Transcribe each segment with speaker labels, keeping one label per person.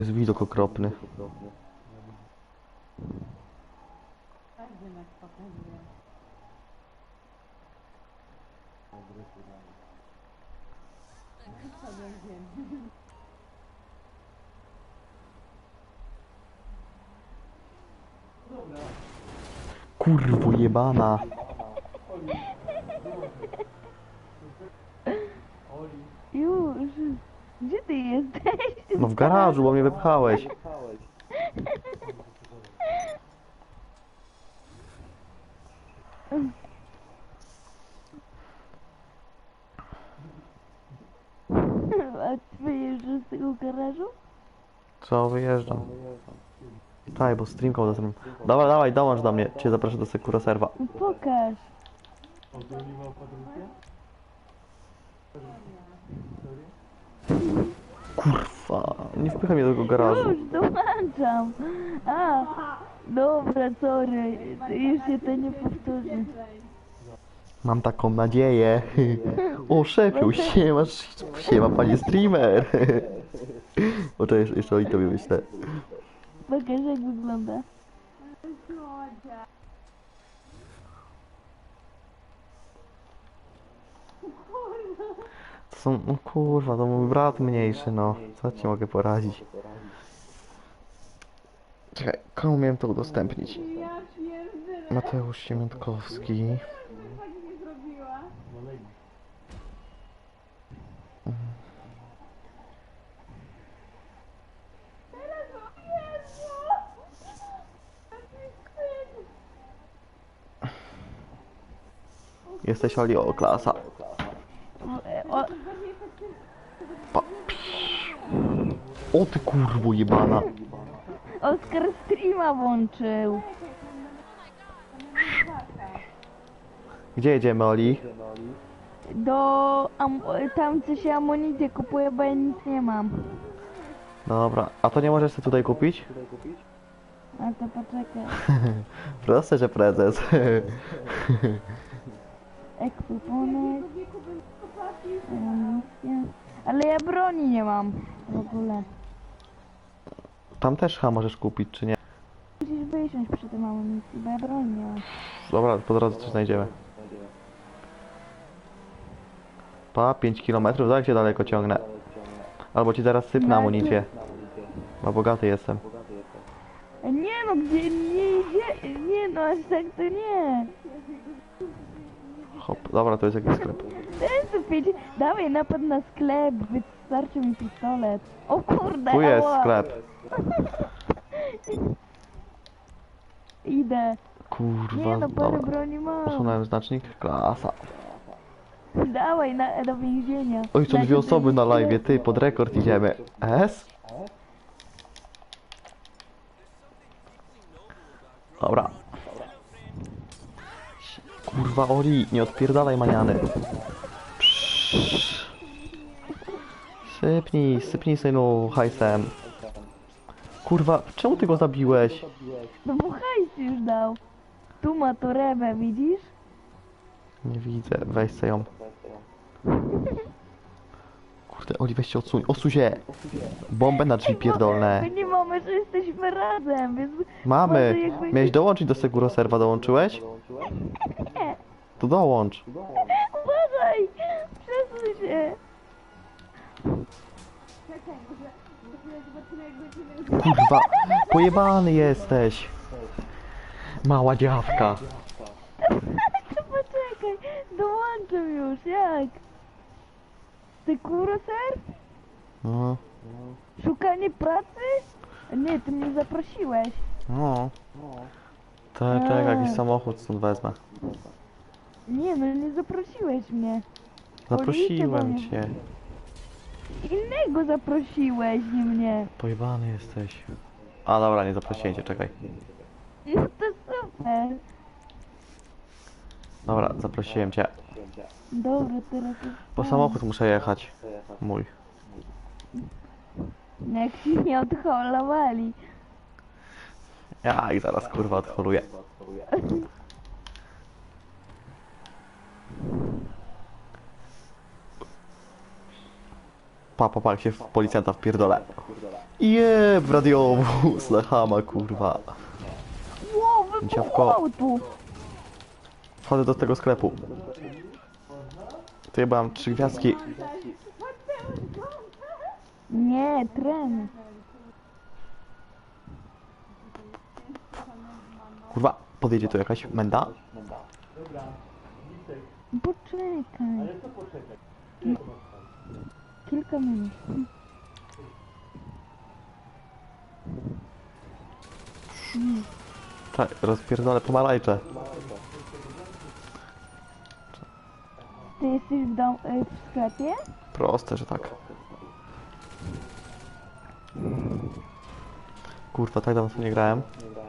Speaker 1: Jest widok okropny. Kurwo jebana.
Speaker 2: Już, gdzie ty jesteś?
Speaker 1: No w garażu, bo mnie wypchałeś.
Speaker 2: A ty wyjeżdżasz z tego garażu?
Speaker 1: Co, wyjeżdżam. Czekaj, bo streamką za tym. Dawaj, dawaj, dołącz do mnie. Cię zaproszę do Sekura Serwa.
Speaker 2: No pokaż.
Speaker 1: Kurwa, nie wpychaj mnie do tego garażu.
Speaker 2: Już, dołączam. A, dobra, sorry. Już się to nie powtórzy.
Speaker 1: Mam taką nadzieję. O, szefiu, siema panie streamer. O, to jeszcze o i tobie myślę.
Speaker 2: Pokaż jak wygląda.
Speaker 1: To są, no kurwa, to mój brat mniejszy, no. Co ci mogę poradzić? Czekaj, komu miałem to udostępnić? Mateusz Siemiątkowski. Jesteś Oli o klasa.
Speaker 2: O,
Speaker 1: Pa. O ty kurwo jebana.
Speaker 2: Oskar streama włączył.
Speaker 1: Gdzie jedziemy, Oli?
Speaker 2: Tam co się amunicję kupuje, bo ja nic nie mam.
Speaker 1: Dobra, a to nie możesz sobie tutaj kupić?
Speaker 2: A to poczekaj.
Speaker 1: Proste, że prezes.
Speaker 2: Ekwipunek. Amunicja. Ale ja broni nie mam w ogóle.
Speaker 1: Tam też chyba możesz kupić, czy nie?
Speaker 2: Musisz wysiąść przy tym amunicji, bo ja broni nie mam.
Speaker 1: Dobra, po drodze coś znajdziemy. Pa, 5 km, tak się daleko ciągnę. Albo ci zaraz sypnę amunicję. Bo bogaty jestem.
Speaker 2: Nie no, gdzie nie no, aż tak to nie.
Speaker 1: Hop, dobra, to jest jakiś sklep.
Speaker 2: Ten pięć, dawaj napad na sklep, wystarczy mi pistolet. O kurde,
Speaker 1: Tu jest
Speaker 2: ała.
Speaker 1: sklep.
Speaker 2: Idę.
Speaker 1: Kurwa,
Speaker 2: Nie no, parę
Speaker 1: dobra.
Speaker 2: broni mam.
Speaker 1: Usunąłem znacznik. Klasa.
Speaker 2: Dawaj do więzienia.
Speaker 1: Oj, są
Speaker 2: Znaczy,
Speaker 1: dwie osoby na
Speaker 2: do
Speaker 1: live, ty, pod rekord idziemy. S? Dobra. Kurwa, Oli, nie odpierdalaj maniany. Psz. Sypnij synu hajsem. Kurwa, czemu ty go zabiłeś?
Speaker 2: No bo hajs już dał. Tu ma torebę, widzisz?
Speaker 1: Nie widzę, weź se ją. Kurde, Oli, weź się odsuń się! Bombę na drzwi pierdolne.
Speaker 2: My nie mamy, że jesteśmy razem, więc...
Speaker 1: Mamy!
Speaker 2: może jakby-
Speaker 1: Miałeś dołączyć do Seguro Serwa, dołączyłeś?
Speaker 2: Nie,
Speaker 1: To dołącz.
Speaker 2: uważaj! Przesuń się!
Speaker 1: Kurwa, pojebany jesteś. Mała dziawka.
Speaker 2: To poczekaj, dołączam już, jak? Sekuro-ser?
Speaker 1: No,
Speaker 2: Szukanie pracy? Nie, ty mnie zaprosiłeś.
Speaker 1: no. Tak, jakiś samochód stąd wezmę.
Speaker 2: Nie no, nie zaprosiłeś mnie.
Speaker 1: Zaprosiłem
Speaker 2: Policja
Speaker 1: cię.
Speaker 2: Innego zaprosiłeś, nie mnie.
Speaker 1: Pojebany jesteś. A dobra, nie zaprosiłem cię, czekaj.
Speaker 2: No to super.
Speaker 1: Dobra, zaprosiłem cię.
Speaker 2: Dobra, teraz już...
Speaker 1: Po samochód muszę jechać. Mój.
Speaker 2: Jak się nie odholowali.
Speaker 1: Ja ich zaraz kurwa odholuję. Pa, jak się w policjanta wpierdolę. W radiowóz na chama, kurwa.
Speaker 2: Wow,
Speaker 1: Dziawko.
Speaker 2: wybuchło tu.
Speaker 1: Wchodzę do tego sklepu. Tu ja mam 3 gwiazdki.
Speaker 2: Nie, tren.
Speaker 1: Kurwa, podjedzie tu jakaś menda?
Speaker 2: Poczekaj. Kilka minut.
Speaker 1: Czekaj, rozpierdolę pomarańcze.
Speaker 2: Ty jesteś w sklepie?
Speaker 1: Proste, że tak. Kurwa, tak dawno w to nie grałem.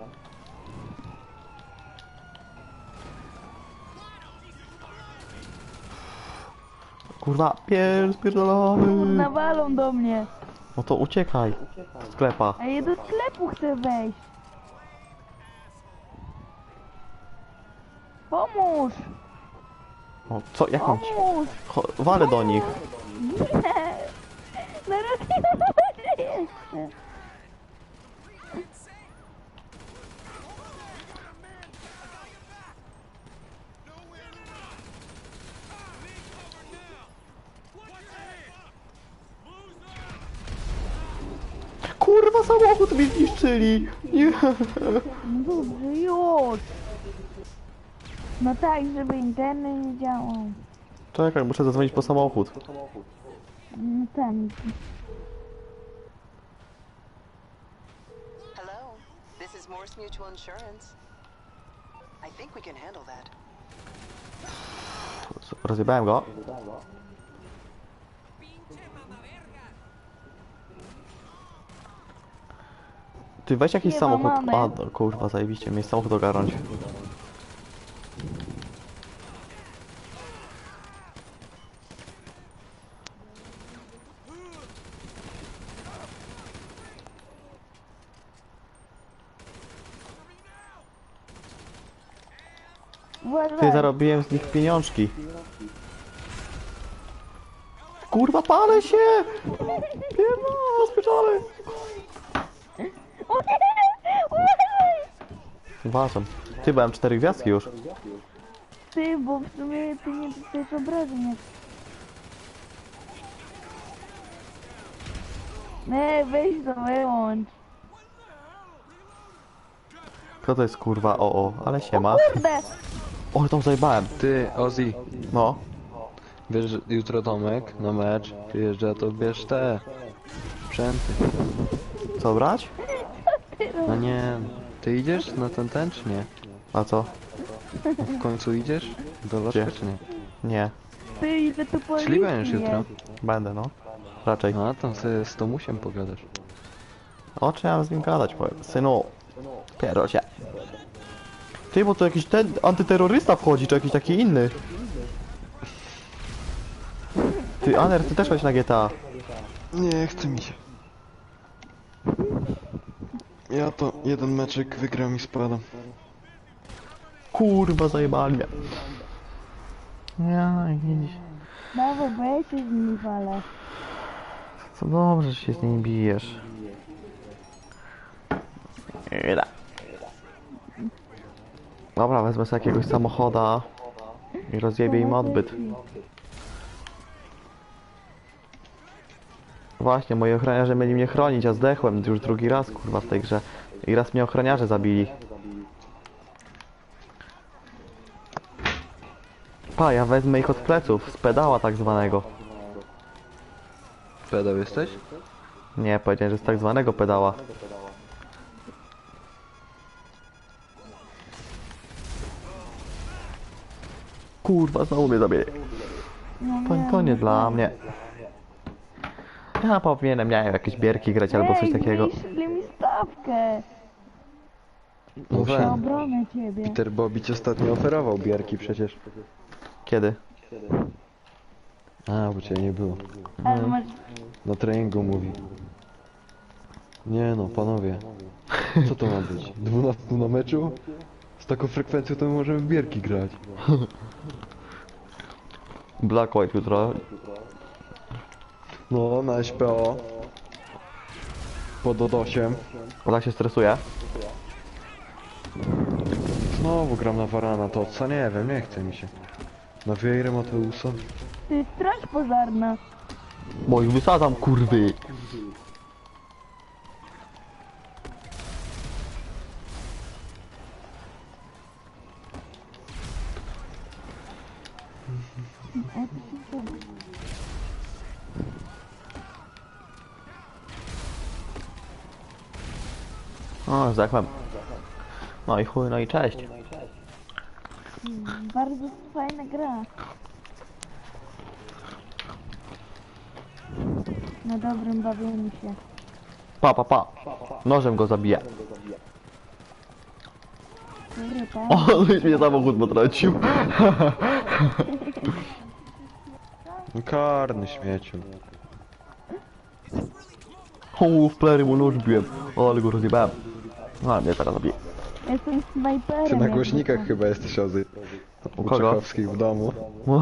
Speaker 1: Kurwa, spierdolony.
Speaker 2: Kurna, walą do mnie.
Speaker 1: No to uciekaj z sklepa.
Speaker 2: A ja do sklepu chcę wejść. Pomóż!
Speaker 1: O, co, jak mam ci?
Speaker 2: Pomóż!
Speaker 1: Walę do nich.
Speaker 2: Nie! Zaraz nie jeszcze.
Speaker 1: Kurwa, samochód mi zniszczyli. Nie.
Speaker 2: No dobrze, już! No tak, żeby internet nie działał.
Speaker 1: Czekaj, muszę zadzwonić po samochód.
Speaker 2: No tam.
Speaker 3: Hello, this is Morse Mutual Insurance. I think we can handle that.
Speaker 1: Rozjebałem go. Ty weź jakiś
Speaker 2: Nie ma
Speaker 1: samochód.
Speaker 2: mamy.
Speaker 1: A, no, kurwa, zajebiście, mieć samochód ogarnąć. Ty,
Speaker 2: Uważaj.
Speaker 1: zarobiłem z nich pieniążki. Kurwa, palę się! Pierdolę, spieczony!
Speaker 2: O nie! Uważaj!
Speaker 1: Uważam. Ty, byłem 4 gwiazdki już.
Speaker 2: Ty, bo w sumie ty nie dostajesz obrażeń jak... Nie, weź to wyłącz.
Speaker 1: Kto to jest, kurwa? O, ale siema.
Speaker 2: Kurde!
Speaker 1: O, tam zajebałem.
Speaker 4: Ty, Ozzy,
Speaker 1: No.
Speaker 4: wiesz, że jutro Tomek na mecz przyjeżdża, to bierz te sprzęty.
Speaker 1: Co brać?
Speaker 4: No nie, ty idziesz na ten czy nie?
Speaker 1: A co?
Speaker 4: W końcu idziesz? Do lożka
Speaker 1: Gdzie?
Speaker 4: czy nie?
Speaker 1: Nie.
Speaker 2: Ty, ile tu policji
Speaker 4: Czyli będziesz jutro?
Speaker 2: jest.
Speaker 1: Będę, no. Raczej.
Speaker 4: A, tam sobie z Tomusiem pogadasz.
Speaker 1: O czym ja mam z nim gadać, powiem. Synu. Pierdol się. Ty, bo to jakiś ten antyterrorysta wchodzi, czy jakiś taki inny. Ty, Aner, ty też chodź na GTA.
Speaker 4: Nie, chce mi się. Ja to jeden meczek wygram i spadam.
Speaker 1: Kurwa, zajebali mnie. Ja, widzisz.
Speaker 2: Dawaj, bo ja się z nimi walę.
Speaker 1: To dobrze, że się z nim bijesz. Ida. Dobra, wezmę sobie jakiegoś samochoda i rozjebię im odbyt. Właśnie, moi ochroniarze mieli mnie chronić, a zdechłem już drugi raz, kurwa, w tej grze. I raz mnie ochroniarze zabili. Pa, ja wezmę ich od pleców, z pedała tak zwanego.
Speaker 4: Pedał jesteś?
Speaker 1: Nie, powiedziałem, że z tak zwanego pedała. Kurwa, znowu mnie zabije.
Speaker 2: No
Speaker 1: To nie dla mnie. Ja powinienem, nie wiem, jakieś bierki grać albo coś takiego.
Speaker 2: Zmniejszyli mi stawkę.
Speaker 4: No
Speaker 2: Na
Speaker 4: we.
Speaker 2: obronę ciebie.
Speaker 4: Peter Bobby ci ostatnio oferował bierki przecież.
Speaker 1: Kiedy?
Speaker 4: A, bo cię nie było.
Speaker 2: Ale masz...
Speaker 4: Na treningu mówi. Nie no, panowie. Co to ma być? 12 na meczu? Z taką frekwencją to my możemy w bierki grać.
Speaker 1: Black White jutro.
Speaker 4: No, na SPO. Po Dodosiem.
Speaker 1: Ona się stresuje.
Speaker 4: Znowu gram na Varana, to co nie wiem, nie chce mi się. Na Vieirę Mateusa.
Speaker 2: Ty, straż pożarna.
Speaker 1: Bo ich wysadzam, kurwy. O, zdechłem. No i chuj, no i cześć.
Speaker 2: Bardzo fajna gra. Na dobrym bawieniu się.
Speaker 1: Pa, pa, pa. Nożem go zabiję.
Speaker 2: Kurde, tak.
Speaker 1: O, już mnie samochód potrącił.
Speaker 4: No karny śmieciu.
Speaker 1: O, w plery mu nóż biłem. O, ale go rozjebałem. A, mnie teraz zabije.
Speaker 2: Jestem snajperem.
Speaker 4: Ty na
Speaker 2: jakby
Speaker 4: głośnikach
Speaker 2: co.
Speaker 4: chyba jesteś Ozy.
Speaker 1: U
Speaker 4: U
Speaker 1: kogo?
Speaker 4: Czechowskich w domu.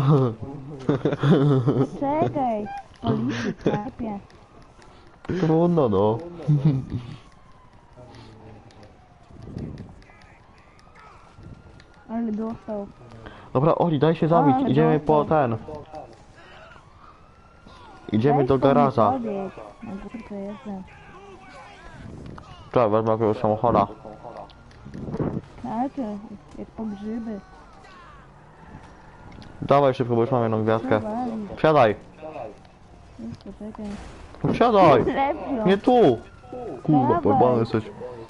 Speaker 2: Czekaj. Policji w sklepie.
Speaker 1: Trudno, no.
Speaker 2: Ale dostał.
Speaker 1: Dobra, Oli, daj się zabić.
Speaker 2: Ale
Speaker 1: Idziemy po
Speaker 2: dostał.
Speaker 1: ten. Idziemy
Speaker 2: Weź
Speaker 1: do
Speaker 2: to mi
Speaker 1: garaża.
Speaker 2: podjedź. Na górce jestem.
Speaker 1: Trzeba, wezmę jakiegoś samochoda.
Speaker 2: Znaczy, jak po grzyby.
Speaker 1: Dawaj szybko, bo już mam jedną gwiazdkę.
Speaker 2: Wali.
Speaker 1: Wsiadaj.
Speaker 2: Jeszcze czekaj.
Speaker 1: Wsiadaj.
Speaker 2: Lepiej.
Speaker 1: Nie tu. Kurwa,
Speaker 2: Dawaj.
Speaker 1: pojebany jesteś.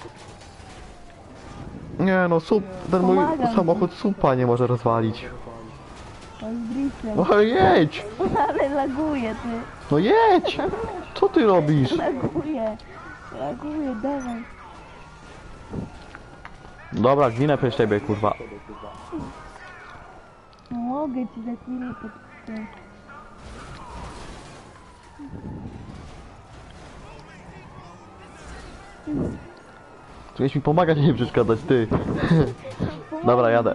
Speaker 1: Nie no, ten mój
Speaker 2: Pomagam ci.
Speaker 1: samochód supa nie może rozwalić.
Speaker 2: To z driftem.
Speaker 1: No ale jedź!
Speaker 2: Ale laguje, ty.
Speaker 1: No jedź! Co ty robisz?
Speaker 2: Laguje. Laguje, dawaj.
Speaker 1: Dobra, ginę przez ciebie, kurwa.
Speaker 2: Mogę ci za chwilę pod...
Speaker 1: Tu mi pomagać, a nie przeszkadzać, ty. Dobra, jadę.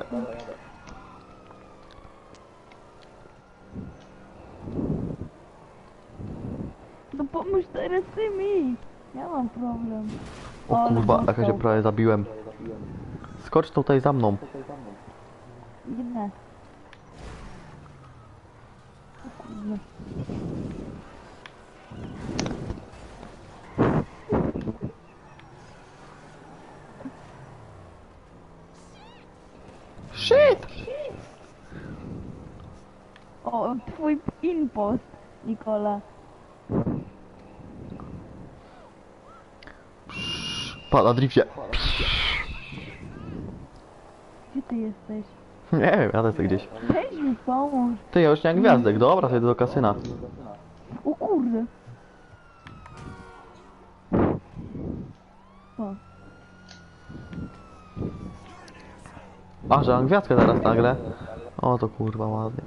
Speaker 2: No pomóż teraz ty mi. Ja mam problem.
Speaker 1: O
Speaker 2: Ale
Speaker 1: kurwa, jak ja się
Speaker 2: dostał.
Speaker 1: prawie zabiłem. Skocz tutaj za mną.
Speaker 2: Idę. O kurde.
Speaker 1: Shit!
Speaker 2: O, twój impost, Nikola.
Speaker 1: Pa, na drifcie.
Speaker 2: Gdzie ty jesteś?
Speaker 1: Nie wiem, jadę sobie gdzieś.
Speaker 2: Weź mi pomóż.
Speaker 1: Ty, ja już nie mam gwiazdek, dobra, sobie do kasyna.
Speaker 2: O kurde. O,
Speaker 1: A, że mam gwiazdkę teraz nagle. O, to kurwa ładnie.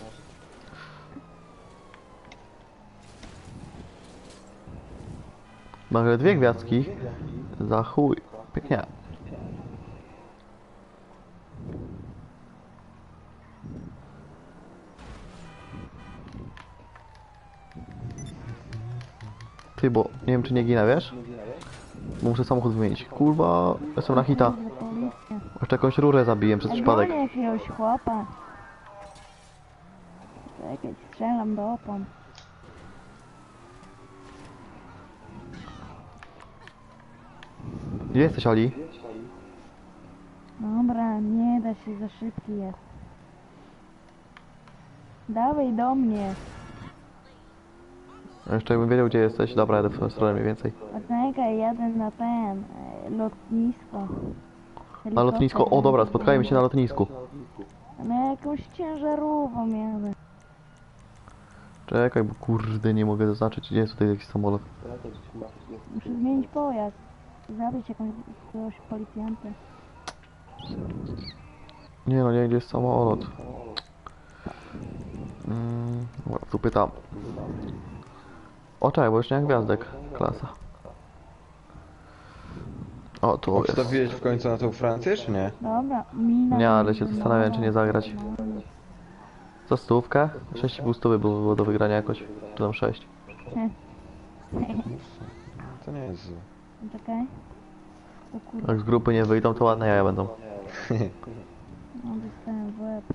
Speaker 1: Nagle dwie gwiazdki. Za chuj. Pięknie. Ty, bo nie wiem czy nie ginę, wiesz? Bo muszę samochód wymienić. Kurwa, jestem na hita.
Speaker 2: kurde, policja.
Speaker 1: Jeszcze jakąś rurę zabiłem przez przypadek.
Speaker 2: Gonię jakiegoś chłopa. Czekaj, strzelam do opon.
Speaker 1: Gdzie jesteś, Oli?
Speaker 2: Dobra, nie da się, za szybki jest. Dawaj do mnie.
Speaker 1: Jeszcze jakbym wiedział gdzie jesteś. Dobra, jadę w twoją stronę mniej więcej.
Speaker 2: Czekaj, jadę na ten, lotnisko.
Speaker 1: Na lotnisko. O dobra, spotkajmy się na lotnisku.
Speaker 2: Na jakąś ciężarówką jadę.
Speaker 1: Czekaj, bo kurde nie mogę zaznaczyć, gdzie jest tutaj jakiś samolot.
Speaker 2: Muszę zmienić pojazd. Zabić jakiegoś policjanta.
Speaker 1: Nie no, nie, gdzie jest samolot. Dobra, tu pytam. O czekaj, bo już nie mam gwiazdek. Klasa. O, tu jest.
Speaker 4: Odstawiłeś w końcu na tą Francję, czy nie?
Speaker 2: Dobra, mina.
Speaker 1: Nie, ale się zastanawiam, czy nie zagrać. Za stówkę? 6,5 stówy było do wygrania jakoś. Czy tam 6.
Speaker 4: To nie jest złe.
Speaker 2: Czekaj. O kurde,
Speaker 1: Jak z grupy nie wyjdą, to ładne jaja będą.
Speaker 2: no dostałem w łeb.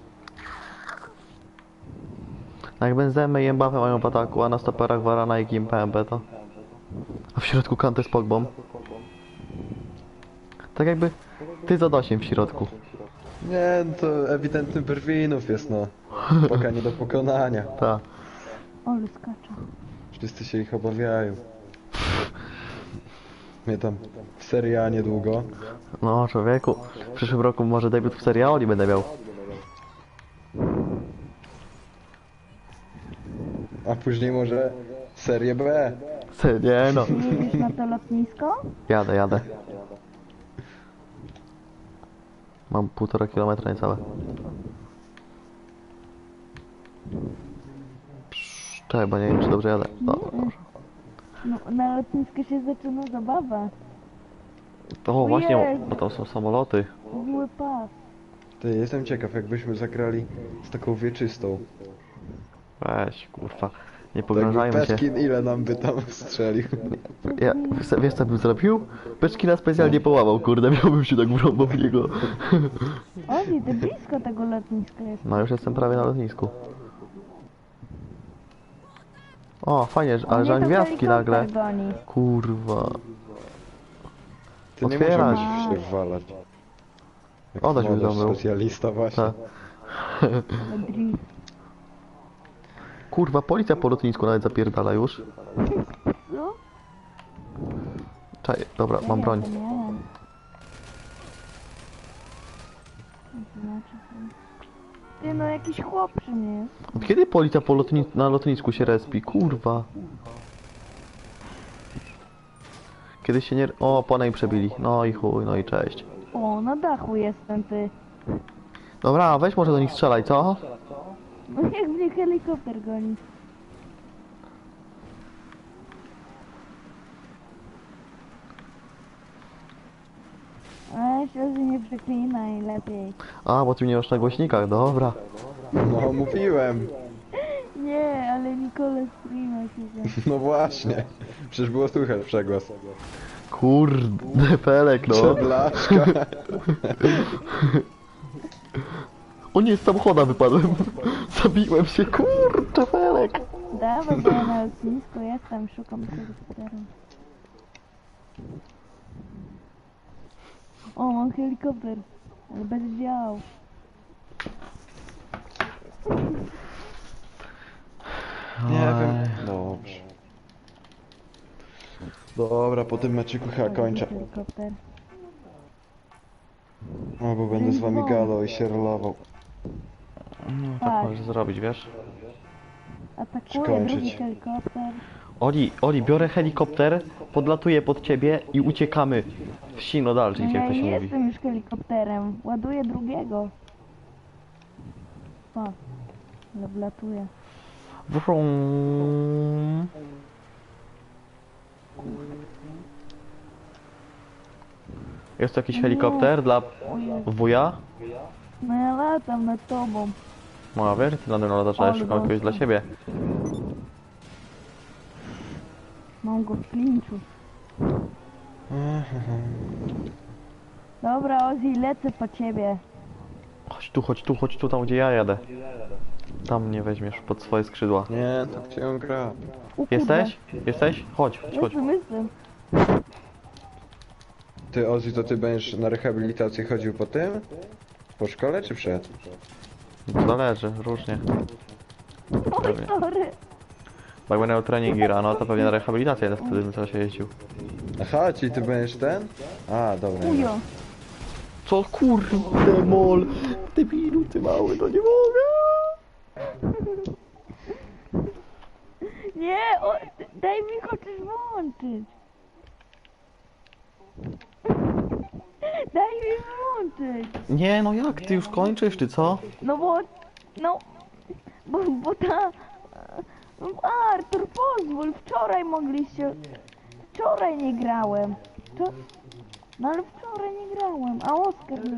Speaker 1: Jak benzemy i embafy mają w ataku, a na stoperach Varana i Kim PMP to... A w środku Kante z Pogbą. Tak jakby ty za 8 w środku.
Speaker 4: Nie, no to ewidentny Berwinów jest, no. Poka nie do pokonania.
Speaker 1: Ta.
Speaker 2: Olu skacza.
Speaker 4: Wszyscy się ich obawiają. Mnie tam w Serie A niedługo.
Speaker 1: No człowieku, w przyszłym roku może debiut w Serie A będę miał.
Speaker 4: A później może Serie B.
Speaker 1: Nie no.
Speaker 2: Jedziesz na to lotnisko?
Speaker 1: Jadę. Mam 1,5 kilometra niecałe. Czekaj, bo nie wiem czy dobrze jadę. No, dobrze.
Speaker 2: No, na lotnisku się zaczyna zabawa.
Speaker 1: O właśnie,
Speaker 2: Jezu.
Speaker 1: bo tam są samoloty.
Speaker 2: Zły pas.
Speaker 4: Ty, jestem ciekaw, jakbyśmy zagrali z taką wieczystą.
Speaker 1: Weź, kurwa. Nie
Speaker 4: Tak,
Speaker 1: pogrążajmy się.
Speaker 4: Peskin ile nam by tam strzelił?
Speaker 1: Ja, wiesz co bym zrobił? Peczkina specjalnie połamał, kurde, miałbym się tak wrąbał w niego.
Speaker 2: Ozzy, ty blisko tego lotniska jest.
Speaker 1: No już jestem prawie na lotnisku. O, fajnie, ale
Speaker 2: Mnie
Speaker 1: że
Speaker 2: to
Speaker 1: gwiazdki nagle.
Speaker 2: helikopter goni.
Speaker 1: Kurwa.
Speaker 4: Ty nie
Speaker 1: Otwierać.
Speaker 4: możesz się wwalać. Jak
Speaker 1: Odeś mi
Speaker 4: młodasz
Speaker 1: zamył.
Speaker 4: specjalista właśnie.
Speaker 1: Tak.
Speaker 2: Ale drift.
Speaker 1: Kurwa, policja po lotnisku nawet zapierdala już.
Speaker 2: Co?
Speaker 1: Czaj, dobra, mam broń.
Speaker 2: Ja jadę. Ty no jakiś chłop przy mnie jest.
Speaker 1: Od kiedy policja po na lotnisku się respi? Kurwa. Kiedy się nie... O, pana im przebili. No i chuj, no i cześć.
Speaker 2: O, na dachu jestem ty.
Speaker 1: Dobra, weź może do nich strzelaj, co?
Speaker 2: No jak mnie helikopter goni. A się nie przeklinaj lepiej.
Speaker 1: A, bo ty mnie masz na głośnikach, dobra.
Speaker 4: No mówiłem.
Speaker 2: Nie, ale Nicole streama się
Speaker 4: No właśnie. Przecież było słychać przegłos.
Speaker 1: Kurde, Felek, no.
Speaker 4: Przedlaszka.
Speaker 1: O nie, z samochoda wypadłem. Zabiłem się, kurczę, Felek.
Speaker 2: Dawaj, bo ja na lotnisku jestem, szukam helikoptera. O, mam helikopter, ale bez dział.
Speaker 4: Nie wiem. Dobrze. Dobra, po tym meczyku chyba kończę.
Speaker 2: Helikopter.
Speaker 4: O, bo będę z wami gadał i się rolował.
Speaker 1: No,
Speaker 2: Tak.
Speaker 1: tak możesz zrobić, wiesz?
Speaker 2: Atakuje
Speaker 4: Skończyć.
Speaker 2: drugi helikopter.
Speaker 1: Oli, biorę helikopter, podlatuję pod ciebie i uciekamy w sino dalej,
Speaker 2: No
Speaker 1: jak
Speaker 2: ja
Speaker 1: to się mówi.
Speaker 2: jestem już helikopterem, ładuję drugiego. O, ale wlatuję.
Speaker 1: Wrum. Jest tu jakiś helikopter dla
Speaker 2: O Jezu.
Speaker 1: wuja?
Speaker 2: No ja latam nad tobą.
Speaker 1: No a wiesz, ty nade mną latasz, ale
Speaker 2: Ale
Speaker 1: szukam kogoś dla
Speaker 2: dobrze.
Speaker 1: siebie.
Speaker 2: Mam go w klinczu. Dobra, Ozzy, lecę po ciebie.
Speaker 1: Chodź tu, tam gdzie ja jadę. Tam mnie weźmiesz pod swoje skrzydła.
Speaker 4: Nie, to gdzie on gra?
Speaker 2: O kurde.
Speaker 1: Jesteś? Chodź.
Speaker 2: Jestem.
Speaker 4: Ty, Ozzy, to ty będziesz na rehabilitację chodził po tym? Po szkole czy przed?
Speaker 1: Zależy, różnie.
Speaker 2: Oj,
Speaker 1: Pewnie.
Speaker 2: sorry.
Speaker 1: Bo jak będę miał treningi rano, to pewnie na rehabilitację wtedy bym trzeba się jeździł.
Speaker 4: Aha, czyli ty będziesz ten? A, dobra.
Speaker 2: Ujo.
Speaker 1: Co kurde mol? Debilu ty mały, to nie mogę.
Speaker 2: Nie, daj mi chociaż włączyć. Daj mi włączyć.
Speaker 1: Nie no jak, ty już kończysz czy co?
Speaker 2: No bo, bo ta... Artur, pozwól, wczoraj nie grałem. No ale wczoraj nie grałem, a Oskar nie.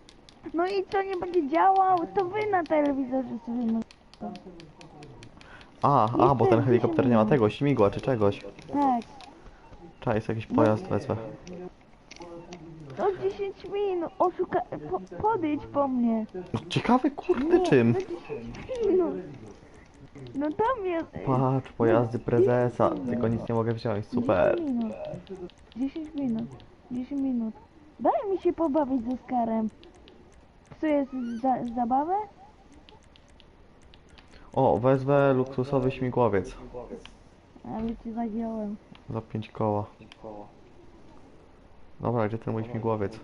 Speaker 2: No i co, nie będzie działał? To wy na telewizorze sobie
Speaker 1: Bo ten helikopter nie ma tego, śmigła czy czegoś.
Speaker 2: Tak.
Speaker 1: Trzeba jest jakiś pojazd wezmę.
Speaker 2: No 10 minut, podejdź po mnie.
Speaker 1: Ciekawy kurde czym.
Speaker 2: No 10 minut. No tam jest...
Speaker 1: Patrz, pojazdy prezesa. Tylko nic nie mogę wziąć, super.
Speaker 2: 10 minut. 10 minut. 10 minut. Daj mi się pobawić z Oskarem. Psujesz zabawę?
Speaker 1: O, wezmę luksusowy śmigłowiec.
Speaker 2: Ale cię zagiąłem.
Speaker 1: Za 5 koła. Dobra, gdzie ten mój śmigłowiec?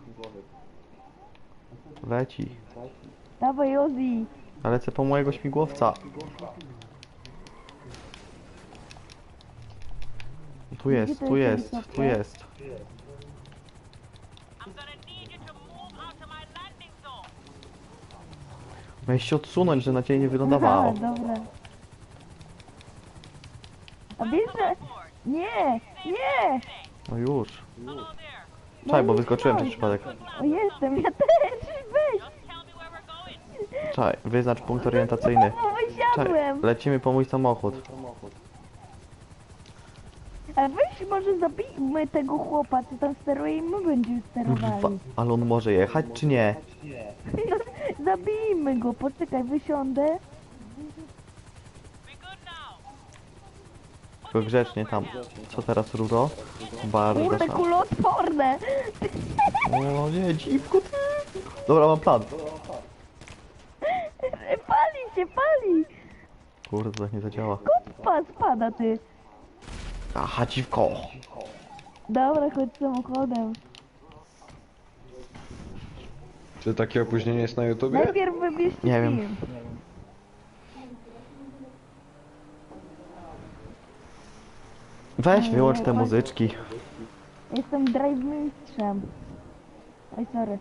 Speaker 1: Leci.
Speaker 2: Dawaj Ozzy.
Speaker 1: Ja lecę po mojego śmigłowca. Tu jest, tu jest, tu jest. Miałeś się odsunąć, że na ciebie nie wylądowało.
Speaker 2: Aha, dobra. A wiesz, że... Nie! Nie!
Speaker 1: No już. Czekaj, bo wyskoczyłem przez przypadek.
Speaker 2: O, jestem, ja też! Weź!
Speaker 1: Czekaj, wyznacz punkt orientacyjny.
Speaker 2: O, wysiadłem!
Speaker 1: Lecimy po mój samochód.
Speaker 2: Ale weź może zabijmy tego chłopa, co tam steruje i my będziemy sterowali.
Speaker 1: Ale on może jechać czy nie?
Speaker 2: No, zabijmy go, poczekaj, wysiądę.
Speaker 1: Tylko grzecznie tam. Co teraz, Ruro? Bardzo
Speaker 2: Kurde,
Speaker 1: szan.
Speaker 2: kuloodporne!
Speaker 1: O nie, dziwko ty. Dobra, mam plan.
Speaker 2: Pali się, pali!
Speaker 1: Kurde, to tak nie zadziała.
Speaker 2: Spada ty.
Speaker 1: Aha, dziwko.
Speaker 2: Dobra, chodź samochodem.
Speaker 4: Czy takie opóźnienie jest na YouTubie?
Speaker 2: Najpierw wybierzcie
Speaker 1: Nie wiem.
Speaker 2: film.
Speaker 1: Weź, wyłącz te muzyczki.
Speaker 2: Jestem drive mistrzem. Oj, sorry.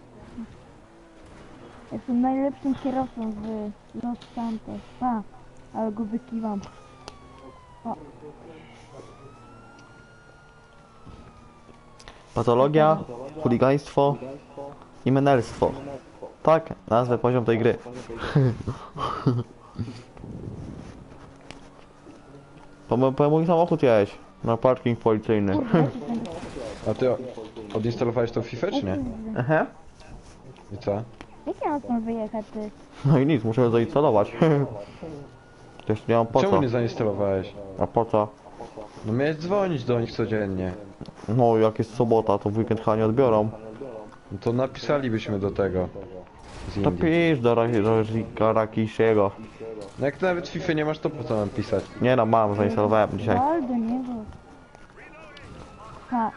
Speaker 2: Jestem najlepszym kierowcą z Los Santos. Ale go wykiwam. O,
Speaker 1: Patologia, chuligaństwo i menelstwo. Tak, nazwę poziom tej gry. Po mój samochód jeźdź. Na parking policyjny.
Speaker 4: A ty odinstalowałeś tą FIFA czy nie?
Speaker 1: Aha.
Speaker 4: I co?
Speaker 2: jak ja mam stąd wyjechać, ty?
Speaker 1: No i nic, muszę ją zainstalować. Też nie mam po
Speaker 4: Czemu
Speaker 1: co.
Speaker 4: nie zainstalowałeś?
Speaker 1: A po co?
Speaker 4: No miałeś dzwonić do nich codziennie.
Speaker 1: No jak jest sobota, to w weekend chyba nie odbiorą.
Speaker 4: No to napisalibyśmy do tego. Z
Speaker 1: To
Speaker 4: Indii.
Speaker 1: pisz do Rakishiego.
Speaker 4: No jak nawet FIFA nie masz, to po co mam pisać?
Speaker 1: Nie no, mam, zainstalowałem dzisiaj.
Speaker 2: Wal do niego. Ha.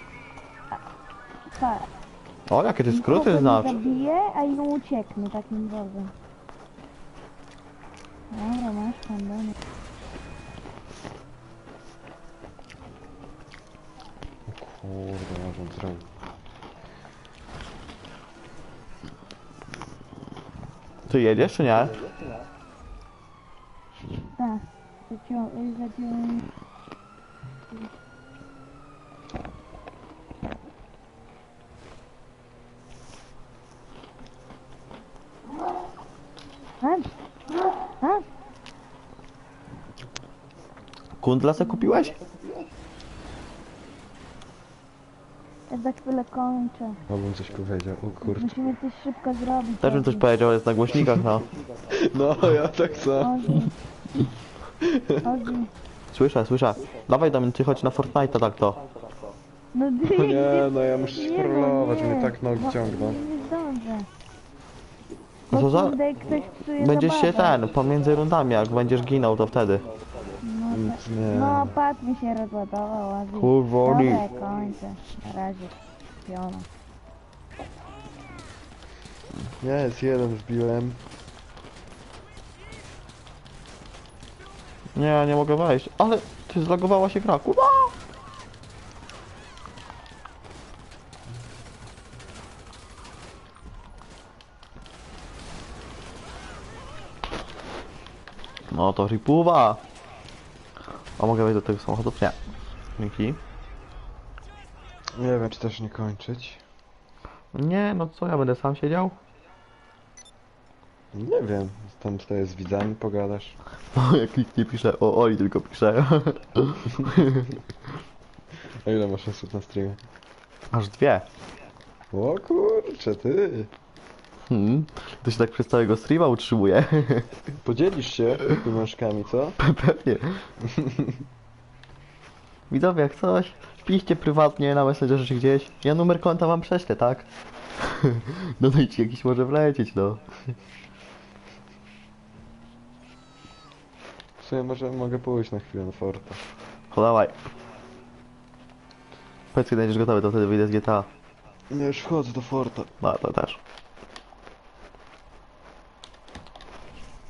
Speaker 2: Ha.
Speaker 1: O, jakie ty skróty
Speaker 2: Nikogo
Speaker 1: znasz.
Speaker 2: nie zabiję, a ją ucieknę takim drogą. Dobra, masz pan do mnie.
Speaker 4: Kurde, może zrobić.
Speaker 1: Ty jedziesz czy nie?
Speaker 2: Tak. Zaciąłem... A?
Speaker 1: Kundla se kupiłeś?
Speaker 2: Ja za chwilę kończę.
Speaker 4: Mogłem coś powiedział, o kurde.
Speaker 2: Musimy coś szybko zrobić.
Speaker 1: Też bym coś powiedział, ale jest na głośnikach, no.
Speaker 4: No, ja tak samo.
Speaker 2: Ozzy. Ozzy.
Speaker 1: Słyszę, słyszę. Dawaj do mnie, ty chodź na Fortnite'a tak to.
Speaker 2: No ty,
Speaker 4: Nie, no ja muszę się scrollować, mnie tak nogi ciągną.
Speaker 2: Nie zdążę.
Speaker 1: No to za...
Speaker 2: Kurde, ktoś psuje
Speaker 1: Będziesz się
Speaker 2: zabawę.
Speaker 1: pomiędzy rundami, jak będziesz ginął, to wtedy.
Speaker 2: No, tak.
Speaker 4: Nie.
Speaker 2: No, pad mi się rozładował, Ozzy.
Speaker 1: Kurwa,
Speaker 2: Dobra,
Speaker 1: Oli.
Speaker 2: ja kończę. Na razie. Piona.
Speaker 4: Jest, jeden wbiłem.
Speaker 1: Nie, nie mogę wejść. Ale ty zlogowała się gra, kurwa. No to ripuwa. A mogę wejść do tego samochodu? Nie. Dzięki.
Speaker 4: Nie wiem, czy też nie kończyć.
Speaker 1: Nie, no co, ja będę sam siedział?
Speaker 4: Nie wiem, tam tutaj z widzami pogadasz.
Speaker 1: O, jak nikt nie pisze, o Oli tylko pisze.
Speaker 4: A ile masz osób na streamie?
Speaker 1: Aż dwie.
Speaker 4: O kurczę, ty.
Speaker 1: To się tak przez całego streama utrzymuje.
Speaker 4: Podzielisz się pieniążkami, co?
Speaker 1: Pewnie. Widzowie, jak coś, piszcie prywatnie na Messengerze czy gdzieś. Ja numer konta wam prześlę, tak? Dodajcie jakiś może wlecieć, no.
Speaker 4: W sumie może mogę pójść na chwilę na Forta.
Speaker 1: O, dawaj. Powiedz, kiedy będziesz gotowy, to wtedy wyjdę z GTA.
Speaker 4: Ja już wchodzę do Forta.
Speaker 1: No, to też.